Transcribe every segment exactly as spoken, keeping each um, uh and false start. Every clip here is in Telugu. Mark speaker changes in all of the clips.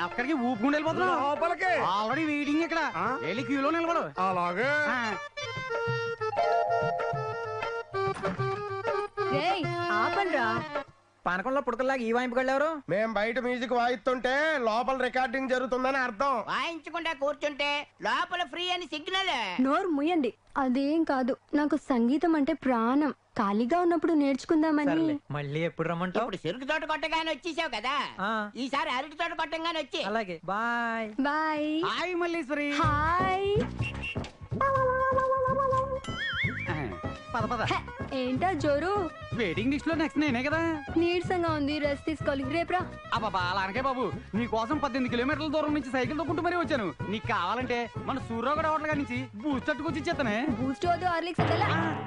Speaker 1: అక్కడికి ఊపుకుంటూ వెళ్ళిపోతున్నావు
Speaker 2: లోపలికి
Speaker 1: ఆల్రెడీ వెయిటింగ్ ఇక్కడ వెళ్ళి క్యూలో నిలబడు.
Speaker 2: అలాగే
Speaker 3: ఆపండ్రా.
Speaker 4: పానకంలో పుడకల్లాగా ఈ వాయింపుకి వెళ్ళారు.
Speaker 2: మేం బయట మ్యూజిక్ వాయిస్తుంటే లోపల రికార్డింగ్ జరుగుతుందని అర్థం.
Speaker 5: వాయించకుండా కూర్చుంటే లోపల ఫ్రీ అని సిగ్నల్.
Speaker 3: నోరు ముయ్యండి. అదేం కాదు, నాకు సంగీతం అంటే ప్రాణం. ఖాళీగా ఉన్నప్పుడు నేర్చుకుందామని.
Speaker 4: మళ్ళీ ఎప్పుడు రమ్మంటావు?
Speaker 5: ఇప్పుడు చెరుకు తోట కొట్టగానే వచ్చేసావు కదా, ఈసారి అరటి తోట కొట్టంగానే వచ్చి.
Speaker 4: అలాగే bye
Speaker 3: bye.
Speaker 1: Hi Malleshwari.
Speaker 3: Hi.
Speaker 1: పద పద.
Speaker 3: ఏంటా జోరు?
Speaker 1: వెయిటింగ్ లిస్ట్ లో నెక్స్ట్ నేనే కదా.
Speaker 3: నీరసంగా ఉంది, రెస్ట్ తీసుకోవాలి. రేపురా.
Speaker 1: అబ్బా అలాగే బాబు, నీ కోసం పద్దెనిమిది కిలోమీటర్ల దూరం నుంచి సైకిల్ తొక్కుంటూ మరీ వచ్చాను. నీకు కావాలంటే మన సూర్యగడ హోటల్ నుంచి బూస్ట్ తట్టుకొచ్చి ఇచ్చేస్తానే.
Speaker 3: బూస్ట్ వద్దు, హార్లిక్స్ వద్దు.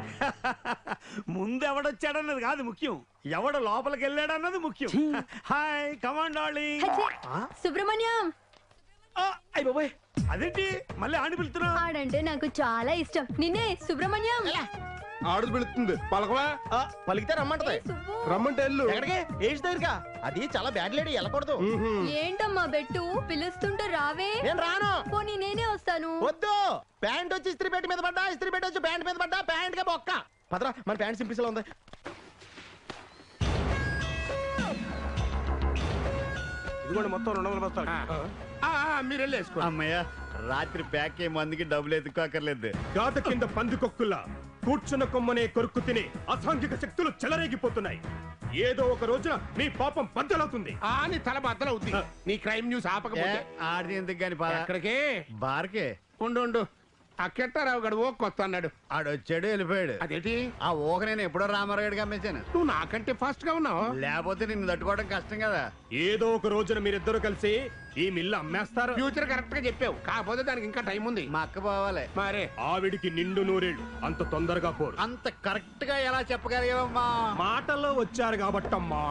Speaker 6: ముందు ఎవడొచ్చాడన్నది కాదు ముఖ్యం, ఎవడు లోపలికి వెళ్ళాడన్నది ముఖ్యం. Hi command darling.
Speaker 3: సుబ్రహ్మణ్యం.
Speaker 6: అయ్య బాబాయ్, అదేంటి మళ్ళీ ఆడి పిలుతున్నా?
Speaker 3: ఆడంటే నాకు చాలా ఇష్టం. నిన్నే సుబ్రహ్మణ్యం.
Speaker 2: ఆడు పిలుస్తుంది పలకవా.
Speaker 7: పలికితే రమ్మంటది.
Speaker 2: రమ్మంటే వెళ్ళు.
Speaker 7: ఎక్కడికి? ఏజ్ దగ్గరగా. అది చాలా బ్యాడ్ లేడీ, వెళ్ళకూడదు.
Speaker 3: ఏంటమ్మా బెట్టు, పిలుస్తుంటే రావే.
Speaker 7: నేను రాను.
Speaker 3: పోనీ నేనే వస్తాను.
Speaker 7: వద్దు. ప్యాంట్ వచ్చి ఇస్త్రీ పెట్టి మీద పడ్డా, ఇస్త్రీ పెట్టి వచ్చి ప్యాంట్ మీద పడ్డా, ప్యాంట్ గా బొక్క. పదరా, మన ప్యాంట్ సింపిసలో ఉంది.
Speaker 2: ఇదిగోండి మొత్తం రెండు వందల బస్తాలు. మీరు వెళ్ళి వేసుకో.
Speaker 6: అమ్మయ్య, రాత్రి ప్యాక్ అయ్యే మందికి డబ్బులు ఎత్తుకోకర్లేదు.
Speaker 8: గాత కింద పందికొక్కుల్లా కూర్చున్న కొమ్మనే కొరుక్కు తిని అసాంఘిక శక్తులు చెలరేగిపోతున్నాయి. ఏదో ఒక రోజున నీ పాపం బద్దలవుతుంది.
Speaker 2: నీ తల బద్దలవుతుంది. నీ క్రైమ్ న్యూస్ ఆపకపోతే.
Speaker 6: ఆడిది ఎందుకు గాని
Speaker 2: ఎక్కడికే?
Speaker 6: బార్కే.
Speaker 2: ఉండు ఉండు. ఆ కెట్టారావు గడు ఓ కొత్త అన్నాడు.
Speaker 6: ఆడొచ్చాడు వెళ్ళిపోయాడు.
Speaker 2: అదేంటి?
Speaker 6: ఆ ఊహ నేను ఎప్పుడో రామారాయుడికి అమ్మేశాను.
Speaker 2: నువ్వు నాకంటే ఫాస్ట్ గా ఉన్నావు.
Speaker 6: లేకపోతే నిన్ను తట్టుకోవడం కష్టం కదా.
Speaker 8: ఏదో ఒక రోజున మీరిద్దరు కలిసి ఈ మిల్లు అమ్మేస్తారు.
Speaker 2: ఫ్యూచర్ కరెక్ట్ గా చెప్పావు, కాకపోతే దానికి ఇంకా టైం ఉంది.
Speaker 6: మా అక్క పోవాలి.
Speaker 2: మరే
Speaker 8: ఆవిడికి నిండు నూరేళ్ళు, అంత తొందరగా పోరు.
Speaker 6: అంత కరెక్ట్ గా ఎలా చెప్పగలిగావమ్మా?
Speaker 8: మాటల్లో వచ్చారు కాబట్టమ్మా.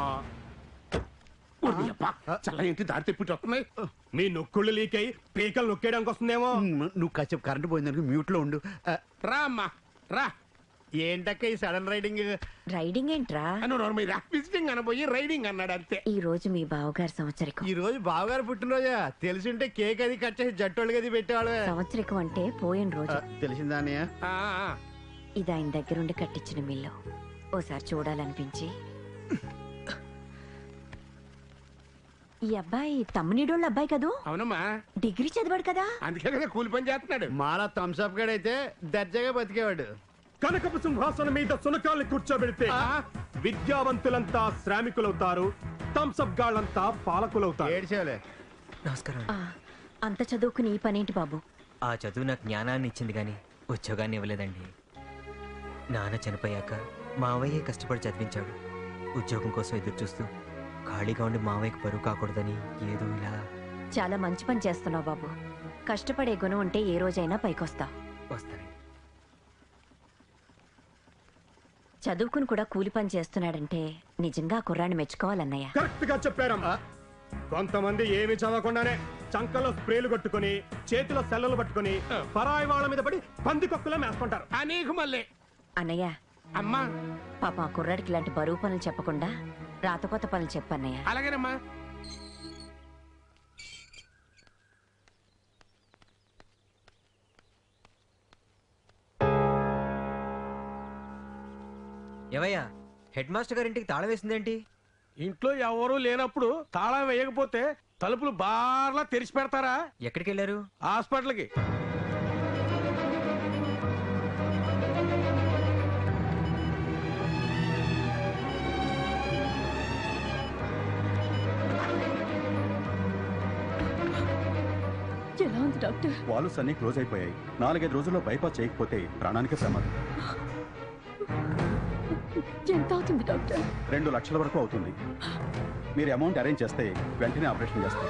Speaker 2: చల్ల ఏంటి దారి తిప్పిట్టు వస్తున్నాయి.
Speaker 8: మీ నొక్కుళ్ళు లీక్ అయి పీకలు నొక్కేయడానికి వస్తుందేమో.
Speaker 6: నువ్వు కాసేపు కరెంట్ పోయిందనుకో మ్యూట్ లో ఉండు.
Speaker 2: రా అమ్మా రా.
Speaker 6: ఏంటక్క ఈ సడన్ రైడింగ్?
Speaker 9: రైడింగ్ ఏంట్రా?
Speaker 2: మీరు విజిటింగ్ అనబోయి రైడింగ్ అన్నాడు అంతే.
Speaker 9: ఈ రోజు మీ బావగారు సంవత్సరికం.
Speaker 6: ఈ రోజు బావగారు పుట్టినరోజా? తెలిసింటే కేక్ అది కట్ చేసి జట్టోళ్ళకి అది పెట్టేవాళ్ళు.
Speaker 9: సంవత్సరికం అంటే పోయిన రోజు.
Speaker 6: తెలిసిందా అన్నయ్య?
Speaker 9: ఇది ఆయన దగ్గరుండి కట్టించిన మిల్లు. ఓసారి చూడాలనిపించి. ఈ అబ్బాయి తమ్మునిడోళ్ళ అబ్బాయి కదూ?
Speaker 2: అవునమ్మా.
Speaker 9: డిగ్రీ చదివాడు కదా,
Speaker 2: అందుకే కదా కూలి పని చేస్తున్నాడు.
Speaker 6: మాలా థమ్స్అప్ గడైతే దర్జాగా బతికేవాడు.
Speaker 8: కనకపు సింహాసనం మీద సునకాల్ని కూర్చోబెడితే విద్యావంతులంతా శ్రామికులవుతారు, థమ్స్అప్ గాళ్ళంతా పాలకులవుతారు.
Speaker 6: ఏడ్చేవాలే.
Speaker 4: నమస్కారం.
Speaker 9: అంత చదువుకుని ఈ పనేంటి బాబు?
Speaker 4: ఆ చదువు నాకు జ్ఞానాన్ని ఇచ్చింది కానీ ఉద్యోగాన్ని ఇవ్వలేదండి. నాన్న చనిపోయాక మావయ్యే కష్టపడి చదివించాడు. ఉద్యోగం కోసం ఎదురు చూస్తూ ఖాళీగా ఉండి మావయ్యకు బరువు కాకూడదని ఏదో ఇలా.
Speaker 9: చాలా మంచి పని చేస్తున్నావు బాబు. కష్టపడే గుణం ఉంటే ఏ రోజైనా పైకొస్తావు.
Speaker 4: వస్తానండి.
Speaker 9: చదువుకుని కూడా కూలి పని చేస్తున్నాడంటే నిజంగా కుర్రాన్ని మెచ్చుకోవాలన్నయ్య.
Speaker 8: కరెక్ట్ గా చెప్పారమ్మా. కొంతమంది ఏమి చదవకుండానే చంకలో స్ప్రేలు కట్టుకుని చేతిలో సెల్లలు పట్టుకుని పరాయి వాళ్ళ మీద పడి పందికొక్కులా మేసుకుంటారు.
Speaker 2: అనేక మళ్ళీ
Speaker 9: అన్నయ్య,
Speaker 2: అమ్మా
Speaker 9: పాప ఆ కుర్రాడికి ఇలాంటి బరువు పనులు చెప్పకుండా రాతకొత్త పనులు చెప్పన్నయ్య.
Speaker 2: అలాగేనమ్మా.
Speaker 4: ఏవయ్యా, హెడ్ మాస్టర్ గారి ఇంటికి తాళం వేసిందేంటి?
Speaker 1: ఇంట్లో ఎవరూ లేనప్పుడు తాళం వేయకపోతే తలుపులు బార్లా తెరిచి పెడతారా?
Speaker 4: ఎక్కడికి వెళ్ళారు?
Speaker 1: హాస్పిటల్కి.
Speaker 3: ఎలా ఉంది డాక్టర్?
Speaker 10: వాల్వ్స్ అన్ని క్లోజ్ అయిపోయాయి. నాలుగైదు రోజుల్లో బైపాస్ చేయకపోతే ప్రాణానికి ప్రమాదం.
Speaker 3: ఎంత అవుతుంది డాక్టర్?
Speaker 10: రెండు లక్షల వరకు అవుతుంది. మీరు అమౌంట్ అరేంజ్ చేస్తే వెంటనే ఆపరేషన్ చేస్తాం.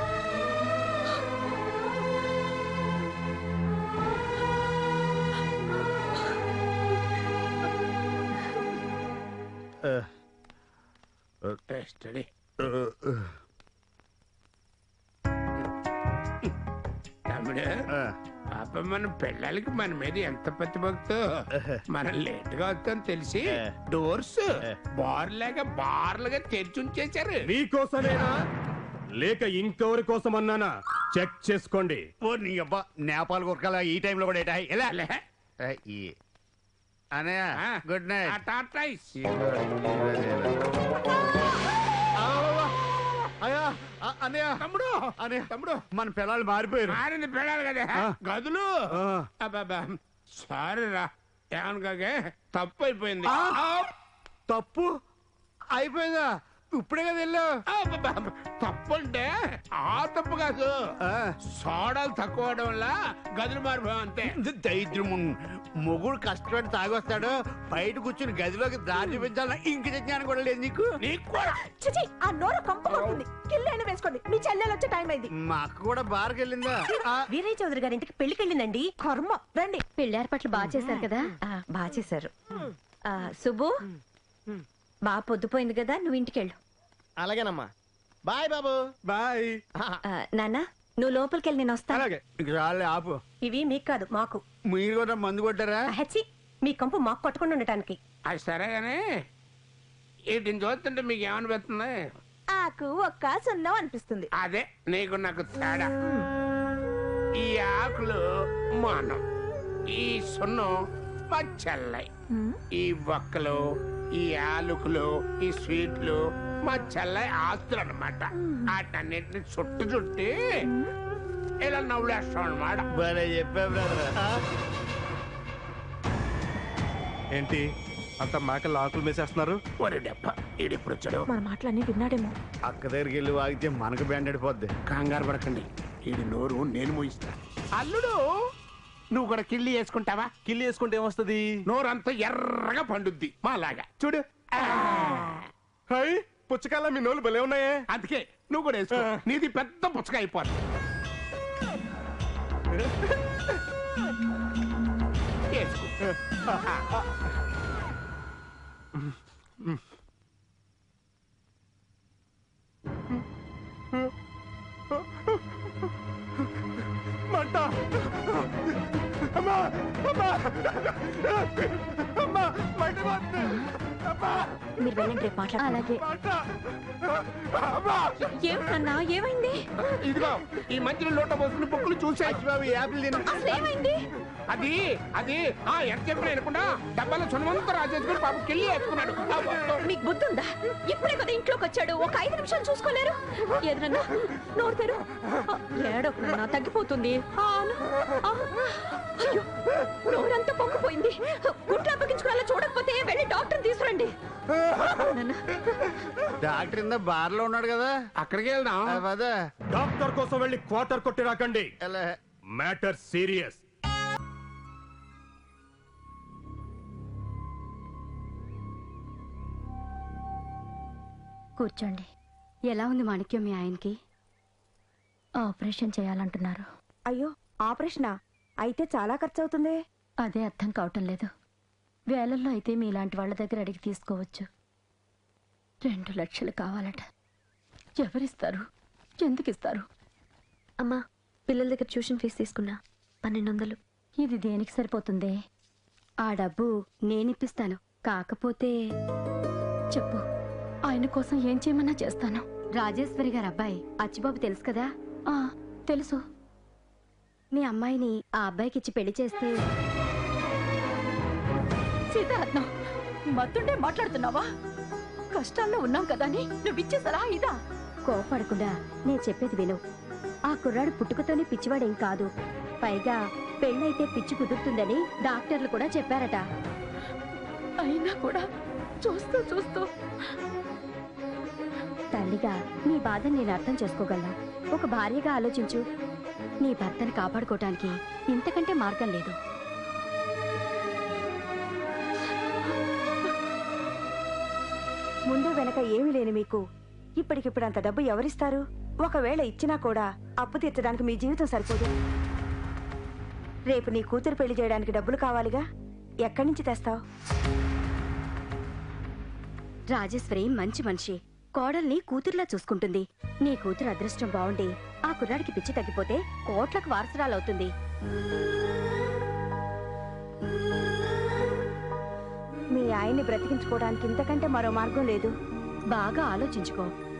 Speaker 2: తమ్ముడు, పాప మన పిల్లలకి మన మీద ఎంత ప్రతిభక్తో. మనం లేట్ గా వస్తాం తెలిసి డోర్స్ బార్లాగా బార్లుగా తెరిచి ఉంచేశారు.
Speaker 8: మీకోసమేనా లేక ఇంకెవరి కోసం అన్నానా చెక్ చేసుకోండి.
Speaker 6: ఓ నీ అబ్బా నేపాల్ గురకాల ఈ టైంలో కూడా ఏటా ఎలా
Speaker 2: లే.
Speaker 6: ఈ అనయ్య గుడ్
Speaker 2: ఆ
Speaker 6: నైట్.
Speaker 2: టార్టాయిస్.
Speaker 6: అయ్యా అన్నయ్య
Speaker 2: తమ్ముడు
Speaker 6: అన్నయ్య
Speaker 2: తమ్ముడు
Speaker 6: మన పిల్లలు మారిపోయారు.
Speaker 2: మారింది పెళ్ళాలి కదా
Speaker 6: ఆ.
Speaker 2: గదులు
Speaker 6: ఆ.
Speaker 2: అబ్బబ్బా సారీ రా ఏమనకాగే తప్పు అయిపోయింది.
Speaker 6: తప్పు అయిపోయిందా? ఇప్పుడే కదా వెళ్ళావు.
Speaker 2: తప్పు అంటే ఆ తప్పు కాదు, సోడాలు తక్కువ అవడం వల్ల గదులు మారిపోయాం అంతే.
Speaker 6: దైద్యము మొగుడు కష్టపడి తాగొస్తాడు, బయట కూర్చుని గదిలోకి దారి చూపించాలని ఇంక జ్ఞానం కూడా లేదు నీకు.
Speaker 2: నీకు కూడా
Speaker 11: చిచి ఆ నోరు కంపు కొడుతుంది. కిల్లైన వేసుకోండి, మీ చెల్లెలు వచ్చే టైం అయింది.
Speaker 6: మా అక్క కూడా బార్కి వెళ్ళిందా?
Speaker 11: వీరయ్య చౌదరి గారి ఇంటికి పెళ్లికి వెళ్ళిందండి. కర్మ రండి.
Speaker 3: పెళ్లి ఏర్పాట్లు బాగా చేశారు కదా.
Speaker 9: బాగా చేశారు. ఆ, సుబ్బు బాగా పొద్దుపోయింది కదా, నువ్వు ఇంటికెళ్ళు.
Speaker 7: అలాగేనమ్మా. బాయ్ బాబు.
Speaker 8: బాయ్.
Speaker 9: ఆ, నాన్న నువ్వు లోపలికి వెళ్ళి నేను వస్తాను.
Speaker 8: అలాగే.
Speaker 6: ఇంక రాలే ఆపు.
Speaker 11: ఇవి మీకు కాదు మాకు.
Speaker 6: మీరు కూడా మందు కొట్టారా?
Speaker 11: హెచ్చి మీ కంపు మాకు కొట్టకుండా ఉండటానికి.
Speaker 2: అది సరే కానీ వీటిని చూస్తుంటే మీకు ఏమనిపిస్తుంది?
Speaker 11: ఆకు ఒక్క సున్నం అనిపిస్తుంది.
Speaker 2: అదే నీకు నాకు తేడా. ఈ ఆకులు మానం, ఈ సున్నం మా చెల్లై. ఈ బొక్కలు, ఈ ఆలుకులు, ఈ స్వీట్లు మా చెల్లై ఆస్తులు అనమాట. వాటన్నిటిని చుట్టు చుట్టి ఇలా నవ్వులేస్తాం అనమాట.
Speaker 6: భలే చెప్పా బ్రదర్.
Speaker 8: ఏంటి అంత మేకలు ఆకులు మేసేస్తున్నారు?
Speaker 2: ఒరే డెప్ప ఈడిప్పుడు వచ్చాడు.
Speaker 11: మన మాటలన్నీ విన్నాడేమో.
Speaker 6: అక్క దగ్గరికి వెళ్ళి వాగితే మనకు బ్యాండ్ అడిపోద్ది.
Speaker 2: కంగారు పడకండి, ఈడి నోరు నేను మూయిస్తా. అల్లుడు నువ్వు కూడా కిళ్ళి వేసుకుంటావా?
Speaker 8: కిల్లి వేసుకుంటే ఏమొస్తుంది?
Speaker 2: నోరంతా ఎర్రగా పండుద్ది మాలాగా. చూడు
Speaker 8: హై పుచ్చకాయల మీ నోళ్ళు భలే ఉన్నాయే.
Speaker 2: అందుకే నువ్వు కూడా వేసుకో, నీది పెద్ద పుచ్చక అయిపోద్ది. వేసుకో.
Speaker 8: మంట. అమ్మా అమ్మా అమ్మా మంట పోతుంది. అమ్మా
Speaker 9: మీరు వెళ్ళండి, రేపు మాట్లాడు. అలాగే.
Speaker 8: మంట. అమ్మా
Speaker 9: ఏమన్నా ఏమైంది?
Speaker 2: ఇదిగో ఈ మధ్యలో లోట పోసుకుని బొక్కులు చూసా.
Speaker 6: బాబు యాపిల్ తిన.
Speaker 9: అసలు ఏమైంది?
Speaker 2: అది అది ఆ ఎంత చెప్పిన వినకుండా డబ్బాలో చునమంతా రాజేసుకుని పాప కిళ్ళి వేసుకున్నాడు.
Speaker 9: మీకు బుద్ధి ఉందా? ఇప్పుడే కదా ఇంట్లోకి వచ్చాడు, ఒక ఐదు నిమిషాలు చూసుకోలేరు? ఎదురన్నా నోరు తెరు. ఏడోకన్నా తగ్గిపోతుంది. ఆ, అను. ఆ, అయ్యో నోరంతా పొంగిపోయింది. గుంట్లో అప్పగించుకునేలా చూడకపోతే వెళ్ళి డాక్టర్ తీసుకురండి. నాన్న.
Speaker 6: డాక్టర్ ఇందా బార్ లో ఉన్నాడు కదా,
Speaker 2: అక్కడికి వెళ్దాం.
Speaker 6: పదా.
Speaker 8: డాక్టర్ కోసం వెళ్ళి క్వార్టర్ కొట్టి రాకండి.
Speaker 6: ఎలా?
Speaker 8: Matter serious.
Speaker 3: కూర్చోండి. ఎలా ఉంది మాణిక్యం మీ ఆయనకి?
Speaker 9: ఆపరేషన్ చేయాలంటున్నారు.
Speaker 11: అయ్యో ఆపరేషనా? అయితే చాలా ఖర్చు అవుతుంది.
Speaker 3: అదే అర్థం కావటం లేదు. వేలల్లో అయితే మీలాంటి వాళ్ళ దగ్గర అడిగి తీసుకోవచ్చు. రెండు లక్షలు కావాలట. ఎవరిస్తారు? ఎందుకు ఇస్తారు?
Speaker 9: అమ్మా పిల్లల దగ్గర ట్యూషన్ ఫీజు తీసుకున్నా, పన్నెండు వందలు.
Speaker 3: ఇది దేనికి సరిపోతుందే? ఆ డబ్బు నేనిప్పిస్తాను. కాకపోతే చెప్పు, ఆయన కోసం ఏం చేయమన్నా చేస్తాను. రాజేశ్వరి గారు అబ్బాయి అచ్చిబాబు తెలుసు కదా? ఆ తెలుసు. మీ అమ్మాయిని ఆ అబ్బాయికి ఇచ్చి పెళ్లి చేస్తే. సీతారత్నం, మత్తుంటే మాట్లాడుతున్నావా? కష్టాల్లో ఉన్నాం కదా అని నువ్వు ఇచ్చే సలహా ఇదా? కోపడకుండా నేను చెప్పేది విను. ఆ కుర్రాడు పుట్టుకతోనే పిచ్చివాడేం కాదు. పైగా పెళ్ళైతే పిచ్చి కుదురుతుందని డాక్టర్లు కూడా చెప్పారట. అయినా కూడా చూస్తూ చూస్తూ తల్లిగా నీ బాధని నేను అర్థం చేసుకోగలను. ఒక భార్యగా ఆలోచించు. నీ భర్తను కాపాడుకోవటానికి ఇంతకంటే మార్గం లేదు.
Speaker 11: ముందు వెనక ఏమీ లేని మీకు ఇప్పటికిప్పుడు అంత డబ్బు ఎవరిస్తారు? ఒకవేళ ఇచ్చినా కూడా అప్పు తీర్చడానికి మీ జీవితం సరిపోదు. రేపు నీ కూతురు పెళ్లి చేయడానికి డబ్బులు కావాలిగా, ఎక్కడి నుంచి తెస్తావు?
Speaker 3: రాజేశ్వరి మంచి మనిషి. కోడల్ని కూతురులా చూసుకుంటుంది. నీ కూతురు అదృష్టం బాగుండి ఆ కుర్రాడికి పిచ్చి తగ్గిపోతే కోట్లకు వారసురాలవుతుంది.
Speaker 11: మీ ఆయన్ని బ్రతికించుకోవడానికి ఇంతకంటే మరో మార్గం లేదు.
Speaker 3: బాగా ఆలోచించుకో.